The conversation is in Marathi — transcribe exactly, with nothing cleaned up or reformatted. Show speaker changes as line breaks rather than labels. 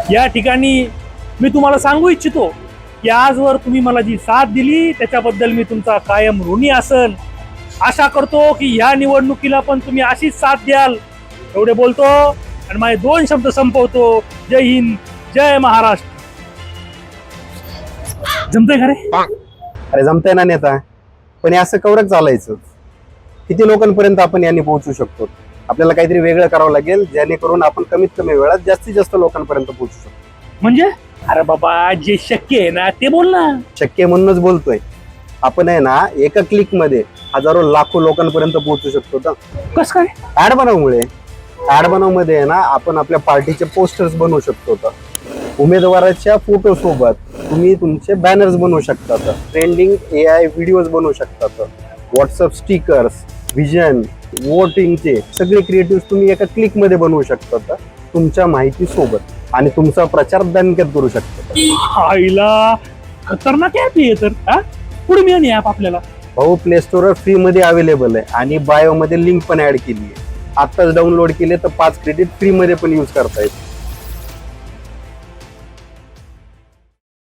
या ठिकाणी मी तुम्हाला सांगू इच्छितो की आजवर तुम्ही मला जी साथ दिली त्याच्याबद्दल मी तुमचा कायम ऋणी असन. आशा करतो की ह्या निवडणुकीला पण तुम्ही अशीच साथ द्याल. एवढे बोलतो आणि माझे दोन शब्द संपवतो. जय हिंद, जय महाराष्ट्र. जमतंय का रे?
अरे जमतंय ना नेता, पण हे असं कवरच चालायचं. किती लोकांपर्यंत आपण यांनी पोहोचू शकतो? आपल्याला काहीतरी वेगळं करावं लागेल जेणेकरून आपण कमीत कमी वेळात जास्तीत जास्त लोकांपर्यंत पोहोचू शकतो.
म्हणजे अरे बाबा जे शक्य आहे ना ते बोल ना.
शक्य म्हणूनच बोलतोय. आपण आहे ना एका क्लिक मध्ये हजारो लाखो लोकांपर्यंत पोहोचू शकतो. तर
कस काय?
ऍड बनवमुळे ऍड बनव मध्ये आहे ना आपण आपल्या पार्टीचे पोस्टर्स बनवू शकतो. तर उमेदवाराच्या फोटो सोबत तुम्ही तुमचे बॅनर्स बनवू शकता. ट्रेंडिंग ए आय व्हिडिओज बनवू शकता. व्हॉट्सअप स्टिकर्स, विजन, वोटिंगचे सगळे क्रिएटिव्ह तुम्ही एका क्लिक मध्ये बनवू शकता तुमच्या माहिती सोबत, आणि तुमचा प्रचार दणक्यात करू शकता.
आईला खतरनाक ऍप आहे तर. हा पुढे मिळेल ऍप आपल्याला.
भाऊ प्ले स्टोरवर फ्री मध्ये अवेलेबल आहे आणि बायो मध्ये लिंक पण ऍड केली आहे. आत्ताच डाउनलोड केले तर पाच क्रेडिट फ्री मध्ये पण यूज करता येईल.